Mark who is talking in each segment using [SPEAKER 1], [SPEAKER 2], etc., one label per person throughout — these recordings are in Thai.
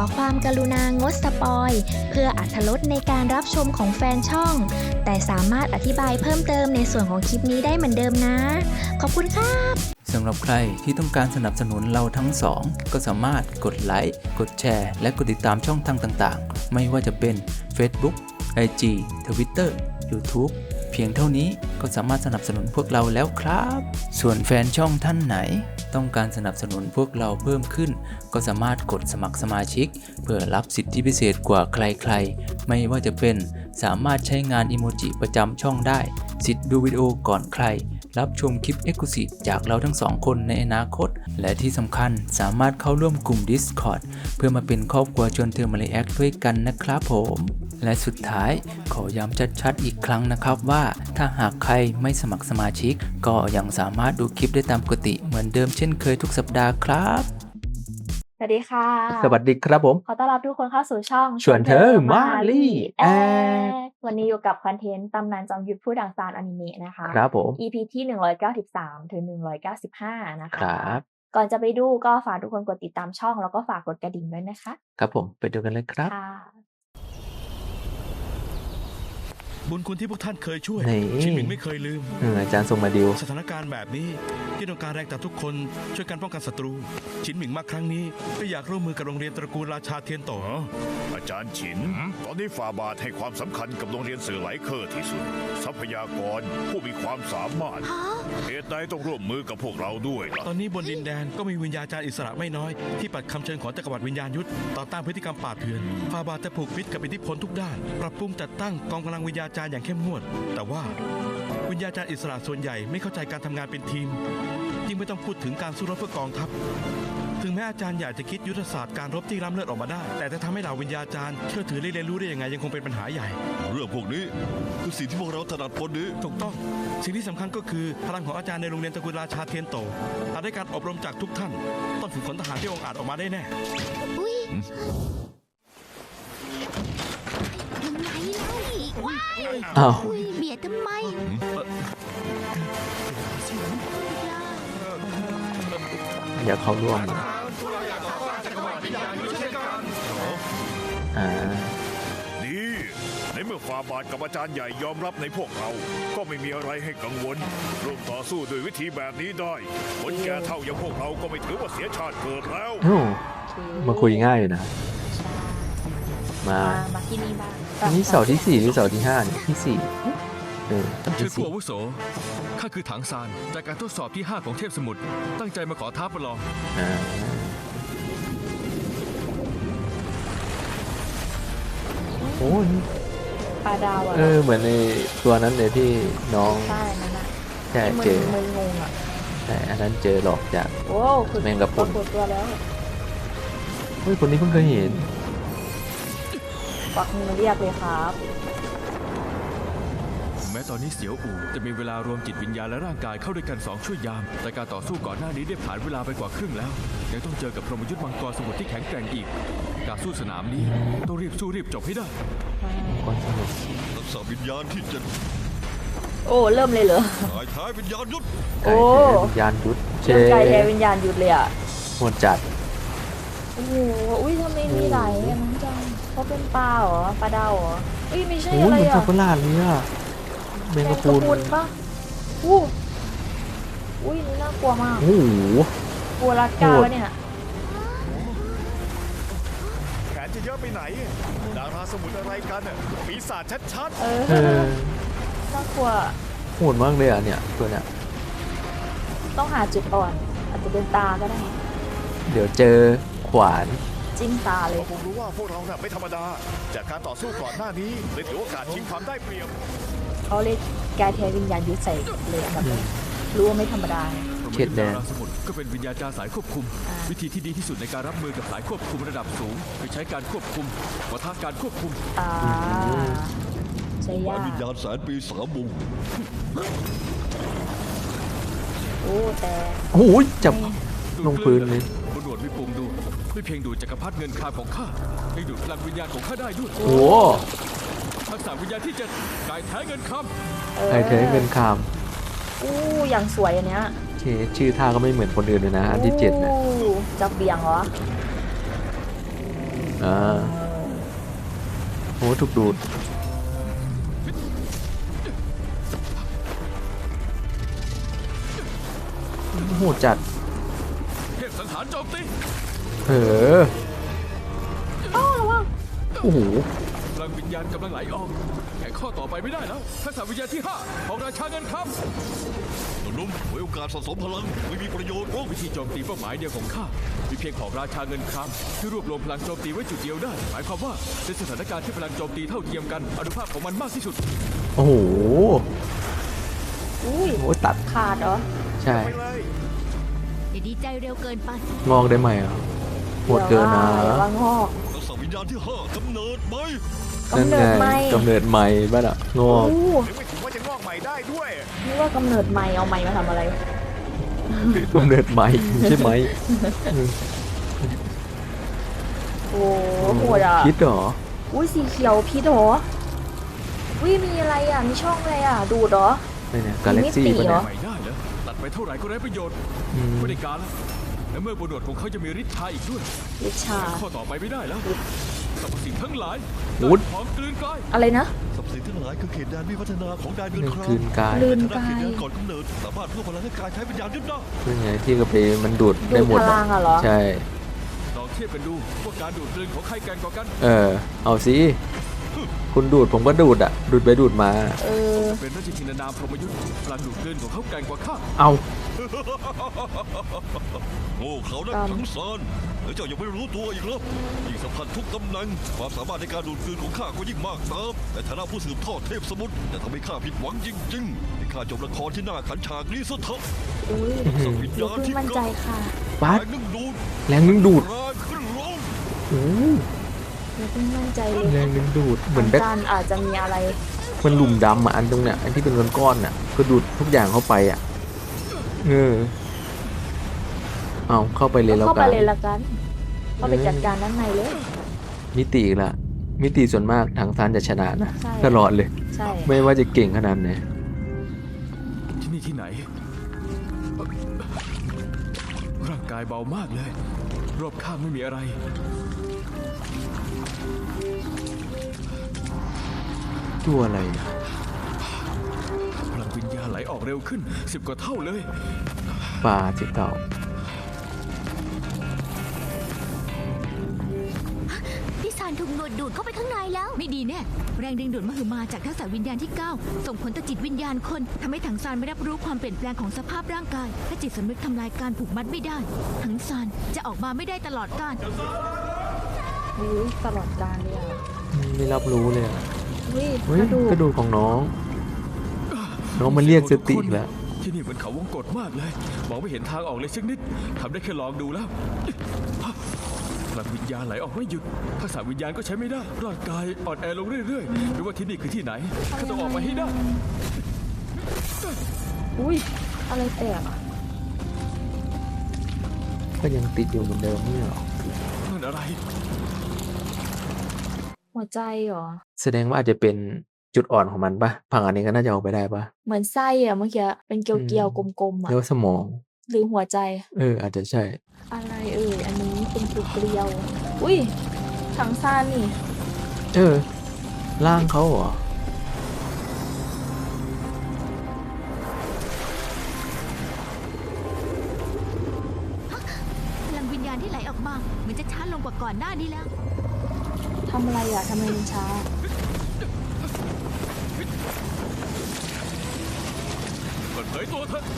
[SPEAKER 1] ความกรุณางดสปอยเพื่ออรรถรสในการรับชมของแฟนช่องแต่สามารถอธิบายเพิ่มเติมในส่วนของคลิปนี้ได้เหมือนเดิมนะขอบคุณครับ
[SPEAKER 2] สำหรับใครที่ต้องการสนับสนุนเราทั้งสองก็สามารถกดไลค์กดแชร์และกดติดตามช่องทางต่างๆไม่ว่าจะเป็น Facebook IG Twitter YouTube เพียงเท่านี้ก็สามารถสนับสนุนพวกเราแล้วครับส่วนแฟนช่องท่านไหนต้องการสนับสนุนพวกเราเพิ่มขึ้นก็สามารถกดสมัครสมาชิกเพื่อรับสิทธิพิเศษกว่าใครๆไม่ว่าจะเป็นสามารถใช้งานอิโมจิประจำช่องได้สิทธิ์ดูวิดีโอก่อนใครรับชมคลิป Exclusive จากเราทั้งสองคนในอนาคตและที่สำคัญสามารถเข้าร่วมกลุ่ม Discord เพื่อมาเป็นครอบครัวชวนเธอมาเลแอคด้วยกันนะครับผมและสุดท้ายขอย้ำชัดๆอีกครั้งนะครับว่าถ้าหากใครไม่สมัครสมาชิกก็ยังสามารถดูคลิปได้ตามปกติเหมือนเดิมเช่นเคยทุกสัปดาห์ครับ
[SPEAKER 1] สวัสดีค่ะ
[SPEAKER 2] สวัสดีครับผม
[SPEAKER 1] ขอต้อนรับทุกคนเข้าสู่ช่อง
[SPEAKER 2] ชวนเธอมาลี่แอค
[SPEAKER 1] วันนี้อยู่กับคอนเทนต์ตำนานจอมยุทธผู้ดังซานอนิเมะนะคะ
[SPEAKER 2] ครับผม
[SPEAKER 1] EP ที่193ถึง195นะคะ
[SPEAKER 2] ครับ
[SPEAKER 1] ก่อนจะไปดูก็ฝากทุกคนกดติดตามช่องแล้วก็ฝากกดกระดิ่งด้วยนะคะ
[SPEAKER 2] ครับผมไปดูกันเลยครับ
[SPEAKER 1] ค่ะ
[SPEAKER 3] บุญคุณที่พวกท่านเคยช่วย
[SPEAKER 2] นี่
[SPEAKER 3] ชินหมิงไม่เคยลืม
[SPEAKER 2] อาจารย์ส่งมาดิว
[SPEAKER 3] สถานการณ์แบบนี้ที่ต้องการแรงจากทุกคนช่วยกันป้องกันศัตรูชินหมิงมาครั้งนี้ก็อยากร่วมมือกับโรงเรียนตระกูลราชาเทียนโต
[SPEAKER 4] อาจารย์ฉินตอนนี้ฝ่าบาทให้ความสำคัญกับโรงเรียนสื่อไหลเคอร์ที่สุดทรัพยากรผู้มีความสามารถเหตุใดต้องร่วมมือกับพวกเราด้วยล่ะ
[SPEAKER 3] ตอนนี้บนดินแดนก็มีวิญญาจารย์อิสระไม่น้อยที่ปัดคำเชิญของจักรวรรดิวิญญาณยุทธต่อต้านพฤติกรรมป่าเถื่อนฝ่าบาทจะผูกมิตรกับอิทธิพลทุกด้านปรับปรุงจัดตั้งกองกำลังวิญญาจารย์อย่างเข้มงวดแต่ว่าวิญญาจารย์อิสระส่วนใหญ่ไม่เข้าใจการทำงานเป็นทีมยิ่งไม่ต้องพูดถึงการสู้รบเพื่อกองทัพถึงแม้อาจารย์อยากจะคิดยุทธศาสตร์การรบที่ล้ำเลิศออกมาได้แต่จะทำให้เหล่าวิญญาจารย์เชื่อถือและเรียนรู้ได้ยังไงยังคงเป็นปัญหาใหญ่
[SPEAKER 4] เรื่องพวกนี้คือสิ่งที่พวกเราถนัดพอดี
[SPEAKER 3] ถูกต้องสิ่งที่สำคัญก็คือพลังของอาจารย์ในโรงเรียนตระกูลราชาเทียนโตหากได้การอบรมจากทุกท่านต้องฝึกฝนทหารที่องอาจออกมาได้แน่
[SPEAKER 2] อ้าว
[SPEAKER 5] เบียดทำไม
[SPEAKER 2] อยากเข้าร่วม
[SPEAKER 4] ดีในเมื่อฝ่าบาทกับอาจารย์ใหญ่ยอมรับในพวกเราก็ไม่มีอะไรให้กังวลร่วมต่อสู้ด้วยวิธีแบบนี้ได้คนแก่เท่าอย่างพวกเราก็ไม่ถือว่าเสียชาติเกิดแล้ว
[SPEAKER 2] มาคุยง่ายอยู่นะมา
[SPEAKER 1] ที่นี่บ้าง
[SPEAKER 2] นี่เสาที่4หรือเสาที่5เนี่ยที่4
[SPEAKER 6] ชื่อผู้อาวุโสข้าคือถังซานจากการทดสอบที่5ของเทพสมุทรตั้งใจมาขอท้าประลอง
[SPEAKER 2] โอ้ย
[SPEAKER 1] ปลาดาว
[SPEAKER 2] เหมือนในตัวนั้นเลยที่น้อง
[SPEAKER 1] ใช่นั่นน่ะ
[SPEAKER 2] ใช่เจอ
[SPEAKER 1] มึนงงอ่ะ
[SPEAKER 2] แต่อันนั้นเจอหลอกจากแมงกะพรุน
[SPEAKER 1] ตัวแล้ว
[SPEAKER 2] เฮ้ยคนนี้เพิ่งเคยเห็น
[SPEAKER 1] ปักมือเรียกเลยครับ
[SPEAKER 6] แม้ตอนนี้เสียวอู่จะมีเวลารวมจิตวิญญาณและร่างกายเข้าด้วยกัน2ช่วยยามแต่การต่อสู้ก่อนหน้านี้ได้ผ่านเวลาไปกว่าครึ่งแล้วยังต้องเจอกับพรหมยุทธ์มังกรสมุทรที่แข็งแกร่งอีกการสู้สนามนี้ต้องรีบสู้รีบจบให้ได้
[SPEAKER 4] ทักษะวิญญาณที่จะ
[SPEAKER 1] โอ้เริ่มเลยเหรอ
[SPEAKER 4] ท้ายวิญญาณยุทธ
[SPEAKER 1] โอ้
[SPEAKER 2] วิญญาณยุทธ
[SPEAKER 1] ไก่แท้วิญญาณยุทธเลยอ่ะ
[SPEAKER 2] โหดจัด
[SPEAKER 1] โอ้โหอุ้ยทำไมมีหลายอันนั้นจังเขาเป็นปลาเหรอปลาดาวเหรออุ้ยไม่ใช่อะไรอ่ะ
[SPEAKER 2] มันสับปะรดเลยอ่ะแมงกะพรุน
[SPEAKER 1] ปะอุ้ยนี่น่ากลัวมาก
[SPEAKER 2] โอ้โห
[SPEAKER 1] กลัวรัดกาเนี่ย
[SPEAKER 4] แขนจะเยอะไปไหนดาราสมุทรอะไรกันน่ะปีศาจชัด
[SPEAKER 1] ๆน่ากลัว
[SPEAKER 2] โหดมากเลยอ่ะเนี่ยตัวเนี้ย
[SPEAKER 1] ต้องหาจุดอ่อนอาจจะเป็นตาก็ได้
[SPEAKER 2] เดี๋ยวเจอขวาน
[SPEAKER 1] จิ้มตาเลย
[SPEAKER 4] ผมรู้ว่าพวกเราไม่ธรรมดาจากการต่อสู้ก่อนหน้านี้เลยถือโอกาสชิงความได้เปรียบ
[SPEAKER 1] เขาเลยแกแทวิญญาณยุทธใส่เลยแบบรู้ว่าไม่ธรรมดา
[SPEAKER 2] เข็ดแดง
[SPEAKER 6] สมุทรก็เป็นวิญญาจารย์สายควบคุมวิธีที่ดีที่สุดในการรับมือกับสายควบคุมระดับสูงคือใช้การควบคุมวัฒนการควบคุม
[SPEAKER 1] ใช่ยาก
[SPEAKER 4] วิญญาณแสนปีสามวง
[SPEAKER 1] โอ้แต่
[SPEAKER 2] โอ้ยจับลงพื้นเลย
[SPEAKER 6] บนหนวดวิปุ่มดูไม่เพียงดูจักรพรรดิเงินคาของข้ายังดูดพลังวิญญาณของข้าได้ด้วย
[SPEAKER 2] โอ้
[SPEAKER 6] ทักษะวิญญาณที่7กายแท้เงินค
[SPEAKER 2] ำกายแท้เงินค
[SPEAKER 1] ำอย่างสวยอันเนี้ย
[SPEAKER 2] ชื่อท่าก็ไม่เหมือนคนอื่นเลยนะอันที่7นะ
[SPEAKER 1] จับเบี่ยงเหรอ
[SPEAKER 2] โหถูกดูดโหจัด
[SPEAKER 6] เทพสังหารโจมตี
[SPEAKER 2] โอ้โห
[SPEAKER 6] พลังวิญญาณกำลังไหลออกแข่งข้อต่อไปไม่ได้แล้วทักษะวิญญาณที่ 5 ของราชาเงินครับ
[SPEAKER 4] นุ่มไว้โอกาสสะสมพลังไม่มีประโยชน์หรอก
[SPEAKER 6] วิธีโจมตีเป้าหมายเดียวของข้ามีเพียงของราชาเงินครามที่รวบรวมพลังโจมตีไว้จุดเดียวได้ หมายความว่าในสถานการณ์ที่พลังโจมตีเท่าเทียมกันอนุภาพของมันมากที่สุด
[SPEAKER 2] โอ้โห
[SPEAKER 5] อุ้ย
[SPEAKER 2] โอ้ตัด
[SPEAKER 5] ขาดเหรอ
[SPEAKER 2] ใช่
[SPEAKER 4] ไปเลย
[SPEAKER 7] อย่าดีใจเร็วเกินไป
[SPEAKER 2] งอกได้ไหมอ่ะโหดเกินนะ
[SPEAKER 5] อย่าว่างอก
[SPEAKER 4] ทักษะวิญญาณที่ 5กำเนิดไหม
[SPEAKER 2] นั่น
[SPEAKER 5] กำเนิ
[SPEAKER 2] ไง
[SPEAKER 5] ดใหม่
[SPEAKER 2] กำเนิดใหม่บ้านอ่ะงอก
[SPEAKER 5] อู้
[SPEAKER 4] ยังไม่ถึงว่าจะงอกใหม่ได้ด้วย
[SPEAKER 5] นี่ว่ากำเนิดใหม่เอาใหม่มาทำอะไร
[SPEAKER 2] กำเนิดใหม่ใช่ไหม
[SPEAKER 5] โอ้โหดอ่ะ
[SPEAKER 2] คิดเหรอ
[SPEAKER 5] อุ้ยสีเขียวพิษเหรออุ้ยมีอะไรอ่ะมีช่องอะไรอ่ะดูดเหรอ
[SPEAKER 2] นี่เนี่ยกาแล็กซี่
[SPEAKER 5] มิติ
[SPEAKER 2] ปะ
[SPEAKER 5] เหร
[SPEAKER 2] เนี่
[SPEAKER 5] อ
[SPEAKER 2] ย
[SPEAKER 6] ไม่ได้แล้วตัดไปเท่าไหร่ก็ไร้ประโยชน์
[SPEAKER 2] อืม
[SPEAKER 6] ไม่ได้การแล้วและเมื่อบนโดดของเขาจะมีฤทธิ์ชาอีกด้วย
[SPEAKER 5] วิชา
[SPEAKER 6] แข่งข้อต่อไปไม่ได้แล้วสรรพสิ่งทั้งหลาย
[SPEAKER 2] วุฒ
[SPEAKER 6] พร้อมกลืนกลาย
[SPEAKER 5] อะไรนะ
[SPEAKER 4] สับสินทั้งหลายคือเขตแดนวิวัฒนาของแดนเงิน
[SPEAKER 2] เรื่อง
[SPEAKER 4] ครา
[SPEAKER 2] คืนกาย
[SPEAKER 5] ลืม
[SPEAKER 4] ในฐานะเขตแดนก่อนกำเนิดสามารถเพิ่มพลังให้กายใช้วิญญาณยึดได้
[SPEAKER 2] คือไงที่กระเปมันดูด
[SPEAKER 5] ดู
[SPEAKER 2] ได้
[SPEAKER 5] ด
[SPEAKER 2] หมด
[SPEAKER 5] พลังอ่ะเหรอ
[SPEAKER 2] ใช่
[SPEAKER 6] ลองเทียบกันดูว่าการดูดกลืนของใครแกร่งกว่ากัน
[SPEAKER 2] เอาสิคุณดูดผมก็ดูดอ่ะ ดูดไปดูดมา
[SPEAKER 5] เออ
[SPEAKER 6] เป็นราชธินานามพรหมยุทธ์พลังดูดกลืนของเขาแกร่งกว่าข้า
[SPEAKER 2] เอา
[SPEAKER 4] โง่เขานักทั้งซานแล้วเจ้ายังไม่รู้ตัวอีกเหรอยิ่งสัมพันธ์ทุกตำแหน่งความสามารถในการดูดกลืนของข้าก็ยิ่งมากตามแต่ฐานะผู้สืบทอดเทพสมุทรจะทำให้ข้าผิดหวังจริงๆให้ข้าจบละครที่น่าขันฉากนี้ซะเถอะ
[SPEAKER 5] อุ้ย
[SPEAKER 4] สัวิญ
[SPEAKER 5] อย่า
[SPEAKER 4] ญาณ
[SPEAKER 5] เพิ่ง
[SPEAKER 4] ที่
[SPEAKER 5] มั่นใจค่ะ
[SPEAKER 2] บัส
[SPEAKER 4] แรงนึ่งดูด
[SPEAKER 2] แรงนึงดูด
[SPEAKER 4] แรงขึ้นลง
[SPEAKER 2] โอ้
[SPEAKER 5] อย่าเพิ่งมั่นใจเลย
[SPEAKER 2] แรงนึงดูดเหมือน
[SPEAKER 5] อา
[SPEAKER 2] แบ็ค
[SPEAKER 5] จารย์อาจจะมีอะไร
[SPEAKER 2] มันหลุมดำอ่ะอันตรงเนี้ยอันที่เป็นก้อนๆอ่ะก็ดูดทุกอย่างเข้าไปอ่ะเอาเข้าไปเลยแล้ว
[SPEAKER 5] เข้า
[SPEAKER 2] กั
[SPEAKER 5] ไป
[SPEAKER 2] น
[SPEAKER 5] เลยละกันเข้าไปจัดการด้านในเลย
[SPEAKER 2] มิติอีกละมิติส่วนมากทางซานจะชนะนะ
[SPEAKER 5] ใช่
[SPEAKER 2] ตลอดเลย
[SPEAKER 5] ใช่
[SPEAKER 2] ไม่ว่าจะเก่งขนาดไหน
[SPEAKER 6] ที่นี่ที่ไหน ร่างกายเบามากเลย รอบข้างไม่มีอะไร
[SPEAKER 2] ตัวอะไรเนี่ย
[SPEAKER 6] พลังวิญญาณไหลออกเร็วขึ้น10 กว่าเท่าเลย
[SPEAKER 2] ปลาจิเก่า
[SPEAKER 7] พี่ซานถูกหนวดดูดเข้าไปข้างในแล้ว ไม่ดีแน่แรงดึงดูดมหึมาจากทักษะวิญญาณที่ 9 ส่งผลต่อจิตวิญญาณคนทำให้ถังซานไม่รับรู้ความเปลี่ยนแปลงของสภาพร่างกายและจิตสำนึกทำลายการผูกมัดไม่ได้ถังซานจะออกมาไม่ได้ตลอดกาล
[SPEAKER 5] อุ้ยตลอดการเลยอ่ะ
[SPEAKER 2] ไม่รับรู้เลยอะ
[SPEAKER 5] อุ้ย
[SPEAKER 2] เฮ้ย
[SPEAKER 5] กระดูก
[SPEAKER 2] กระดูกของน้อง น้องมันเรียกสติอีกแล้ว
[SPEAKER 6] ที่นี่เหมือนเขาวงกฏมากเลย มองไม่เห็นทางออกเลยสักนิดทำได้แค่ลองดูแล้วพลังวิญญาณไหลออกไม่หยุดทักษะวิญญาณก็ใช้ไม่ได้ร่างกายอ่อนแอลงเรื่อยๆไม่ว่าที่นี่คือที่ไหนข้าต้องออกมาให้ได้
[SPEAKER 5] อุ้ยอะไรแตกอ่ะ
[SPEAKER 2] ก็ยังติดอยู่เหมือนเดิมไม่หรอ
[SPEAKER 6] นั่นอะไร
[SPEAKER 5] หัวใจเหรอ
[SPEAKER 2] แสดงว่าอาจจะเป็นจุดอ่อนของมันปะผังอันนี้ก็น่าจะเอาไปได้ปะ
[SPEAKER 5] เหมือนไส้อ่ะเมื่อกี้เป็นเกลียวๆกลมๆอ่ะ
[SPEAKER 2] เรียกว่าสมอง
[SPEAKER 5] หรือหัวใจ
[SPEAKER 2] อาจจะใช่
[SPEAKER 5] อะไรอันนี้เป็นเกลียวๆอุ้ยถังซานนี่
[SPEAKER 2] ร่างเขาเหรอ
[SPEAKER 7] พลังวิญญาณที่ไหลออกมาเหมือนจะช้าลงกว่าก่อนหน้านี้แล้ว
[SPEAKER 5] ทำอะไรอ่ะทำไมมันช้า
[SPEAKER 6] เปิดเผยตัวเถอะ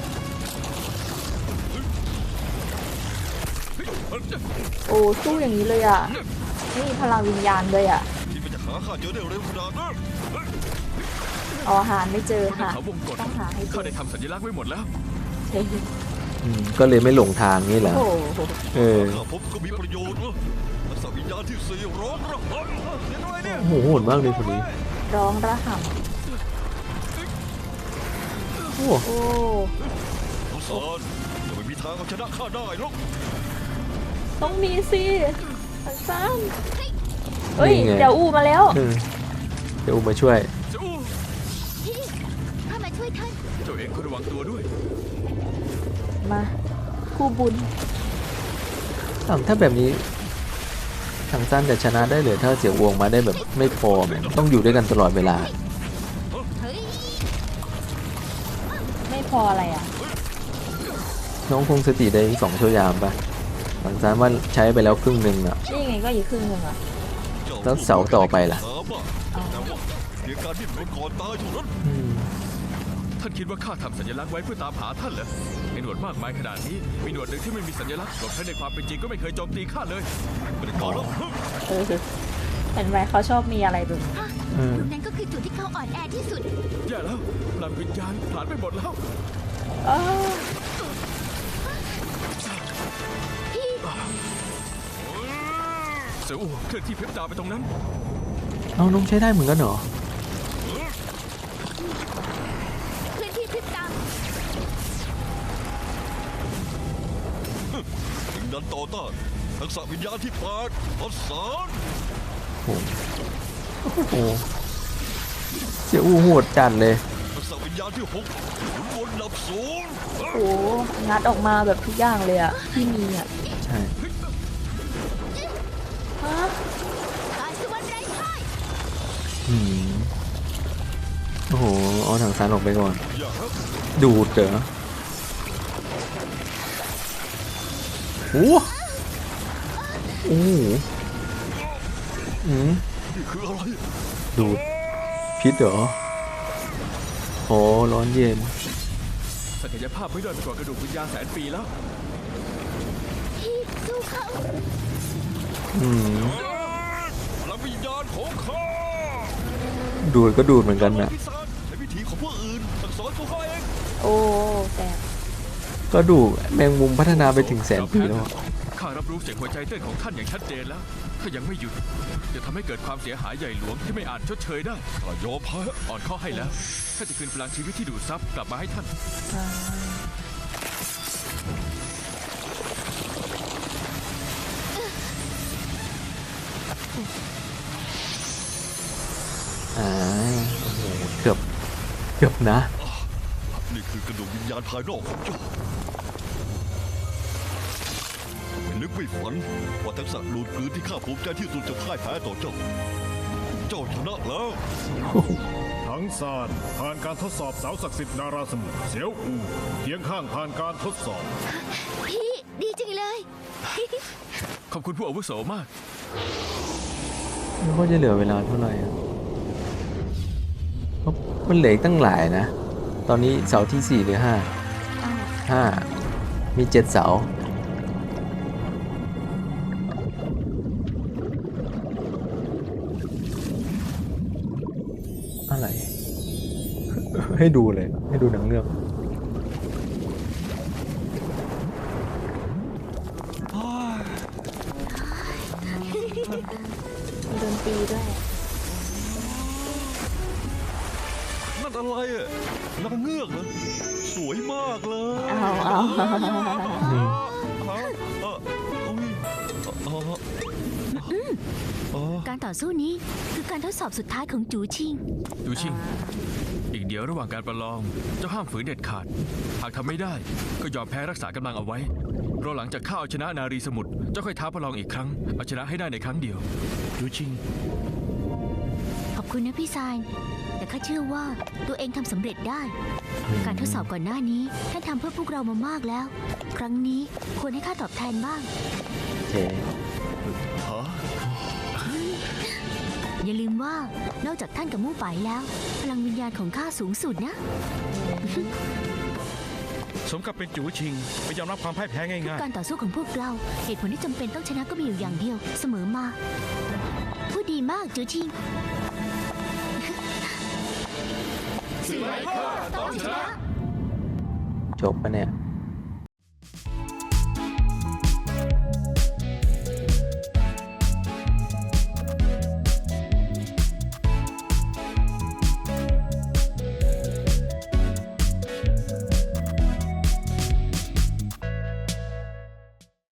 [SPEAKER 5] โอ้สู้อย่างนี้เลยอ่ะไม่มีพลังวิญญาณเลยอ่ะ
[SPEAKER 4] ที่มันจะหาข้าเจอได้เร็วขนาดนั้น
[SPEAKER 5] เอาอาหารไม่เจอ
[SPEAKER 6] คนใน
[SPEAKER 5] ค่ะ
[SPEAKER 6] เขาวงกฏ
[SPEAKER 5] ต้องหาให้เจ
[SPEAKER 6] ข้า
[SPEAKER 5] อ
[SPEAKER 6] ได้ทำสัญลักษณ์ไว้หมดแล้ว
[SPEAKER 5] เฮ้ย
[SPEAKER 2] ก็เลยไม่หลงทางนี่แหละ
[SPEAKER 5] โอ้โห
[SPEAKER 4] ข้าพบก็มีประโยชน์นะทักษะวิญญาณที่ 4 ร้องระหำเห็นด้วยเนี่ย
[SPEAKER 2] โอ้โหโหดมากเลยคนนี้
[SPEAKER 5] ร้องระห่
[SPEAKER 2] โอ้
[SPEAKER 5] ำโอ้
[SPEAKER 4] ทักษะจะไม่มีทางเอาชนะข้าได้หรอก
[SPEAKER 5] ต้องมีสิถังซานเฮ้ย
[SPEAKER 2] นี่ไง
[SPEAKER 5] เดี๋ยวอูมาแล้ว
[SPEAKER 2] เดี๋ยวอุ้มมาช่วย
[SPEAKER 6] เจ้าอู้
[SPEAKER 7] พี่ข้ามาช่วยท่าน
[SPEAKER 6] เจ้าเองก็ระวังตัวด้วย
[SPEAKER 5] มาคู่บุญ
[SPEAKER 2] ถ้าแบบนี้ทางสั้นจะชนะได้เลยถ้าเสี่ยววงมาได้แบบไม่พอแม่งต้องอยู่ด้วยกันตลอดเวลา
[SPEAKER 7] เฮ้ย
[SPEAKER 5] ไม่พออะไรอ่ะ
[SPEAKER 2] น้องคงสติได้2 ชั่วยามปะทางสั้นว่าใช้ไปแล้วครึ่งหนึ่งอ่ะ
[SPEAKER 5] นี่ไงก็อีกครึ่งหนึ่งอ่ะ
[SPEAKER 2] แล้วเสาต่อไปล่ะ
[SPEAKER 4] เสียการดิ้นรนก่อนตายเท่านั้น
[SPEAKER 6] ท่านคิดว่าข้าทำสัญลักษณ์ไว้เพื่อตามหาท่านเหรอในหนวดมากมายขนาดนี้มีหนวดหนึ่งที่ไม่มีสัญลักษณ์หลบทั้งในความเป็นจริงก็ไม่เคยโจมตีข้าเลยไม่ได้ก่อนแล้ว
[SPEAKER 5] เห็นไหมเขาชอบมีอะไรแบบ
[SPEAKER 7] จุดนั้นก็คือจุดที่เขาอ่อนแอที่สุด
[SPEAKER 6] แย่แล้วพลังวิญญาณผ่านไปหมดแล้ว
[SPEAKER 5] อ้าว
[SPEAKER 6] เสืออูเคลื่อนที่เพชรดาวไปตรงนั้น
[SPEAKER 2] เอาน้องใช้ได้เหมือนกันเหรอ
[SPEAKER 7] เคลื่อนที่พริบตา
[SPEAKER 4] ถึงนั้นต่อต้านทักษะวิญญาณที่8ทดสอบ
[SPEAKER 2] โอ้โหเสี่ยวอู้โหดจัดเลย
[SPEAKER 4] ทักษะวิญญาณที่6หมุนวนดับศูนย์
[SPEAKER 5] โอ้โหงัดออกมาแบบทุกอย่างเลยอ่ะที่มีอ่ะ
[SPEAKER 2] ใช่
[SPEAKER 5] ฮะ
[SPEAKER 7] การสวรรค์ไร้พ่าย
[SPEAKER 2] โอ้โหเอาทางสั้นออกไปก่อน
[SPEAKER 4] อย่าครับ
[SPEAKER 2] ดูดเหรอโอ้โห
[SPEAKER 4] นี่คืออะไร
[SPEAKER 2] ดูดพิษเหรอโอ้ร้อนเย็น
[SPEAKER 6] ศักยภาพไม่ด้อยไปกว่ากระดูกวิญญาณแสนปีแล้ว
[SPEAKER 7] พี่สู้เขา
[SPEAKER 4] พลังวิญญาณของข้า
[SPEAKER 2] ดูดก็ดูดเหมือนกันนะ
[SPEAKER 4] พิศาจในวิถีของพวกอื่นสั่งสอนตัวข้าเอง
[SPEAKER 5] โอ้แต่
[SPEAKER 2] ก็ดูแมงมุมพัฒนาไปถึง100,000 ปีแล้วอะ
[SPEAKER 6] ข้ารับรู้เสียงหัวใจเต้นของท่านอย่างชัดเจนแล้ว ถ้ายังไม่หยุดจะทำให้เกิดความเสียหายใหญ่หลวงที่ไม่อาจชดเชยได้
[SPEAKER 4] ข้ายอมแพ้
[SPEAKER 6] อ่อนข้อให้แล้วข้าจะคืนพลังชีวิตที่ดูดซับกลับมาให้ท่าน
[SPEAKER 2] โอ้โหเกือบนะ
[SPEAKER 4] นี่คือกระดูกวิญญาณภายนอกของเจ้าไม่นึกไม่ฝันว่าทักษะดูดกลืนที่ข้าภูมิใจที่สุดจะพ่ายแพ้ต่อเจ้า เจ้าชนะแล้ว
[SPEAKER 8] ทั้งซานผ่านการทดสอบเสาศักดิ์สิทธิ์นาราสมุทรเสียวอูเคียงข้างผ่านการทดสอบ
[SPEAKER 7] พี่ดีจังเลย
[SPEAKER 6] ขอบคุณผู้อาวุโสมาก
[SPEAKER 2] ไม่ว่าจะเหลือเวลาเท่าไหร่อะเพราะมันเหลืออีกตั้งหลายนะ ตอนนี้เสาที่4หรือ5มี7 เสา อะไร ให้ดูเลย ให้ดูหนังเรื่อง
[SPEAKER 5] มีดนตรีด้วย
[SPEAKER 4] นั่นอะไรอ่ะนางเงือกเหรอสวยมากเลย
[SPEAKER 5] เอา
[SPEAKER 7] การต่อสู้นี้คือการทดสอบสุดท้ายของจูชิง
[SPEAKER 6] ดูชิง อีกเดียวระหว่างการประลอง เจ้าห้ามฝืนเด็ดขาด หากทำไม่ได้ก็ยอมแพ้รักษากำลังเอาไว้รอหลังจากข้าเอาชนะนารีสมุทรเจ้าค่อยท้าประลองอีกครั้ง เอาชนะให้ได้ในครั้งเดียว
[SPEAKER 3] ยูชิง
[SPEAKER 7] ขอบคุณนะพี่ซายแต่ข้าเชื่อว่าตัวเองทำสำเร็จได้ การทดสอบก่อนหน้านี้ท่านทำเพื่อพวกเรามามากแล้ว ครั้งนี้ควรให้ข้าตอบแทนบ้าง
[SPEAKER 2] โอเค
[SPEAKER 7] อย่าลืมว่านอกจากท่านกับมู่ไปแล้ว พลังวิญญาณของข้าสูงสุดนะ
[SPEAKER 3] สมกับเป็นจูชิงไม่ยอมรับความพ่ายแพ้ง่าย
[SPEAKER 7] การต่อสู้ของพวกเรา เหตุผลที่จำเป็นต้องชนะก็มีอยู่อย่างเดียว เสมอมาพูดดีมากจูชิงต้องชนะ
[SPEAKER 2] จบปะเนี่ย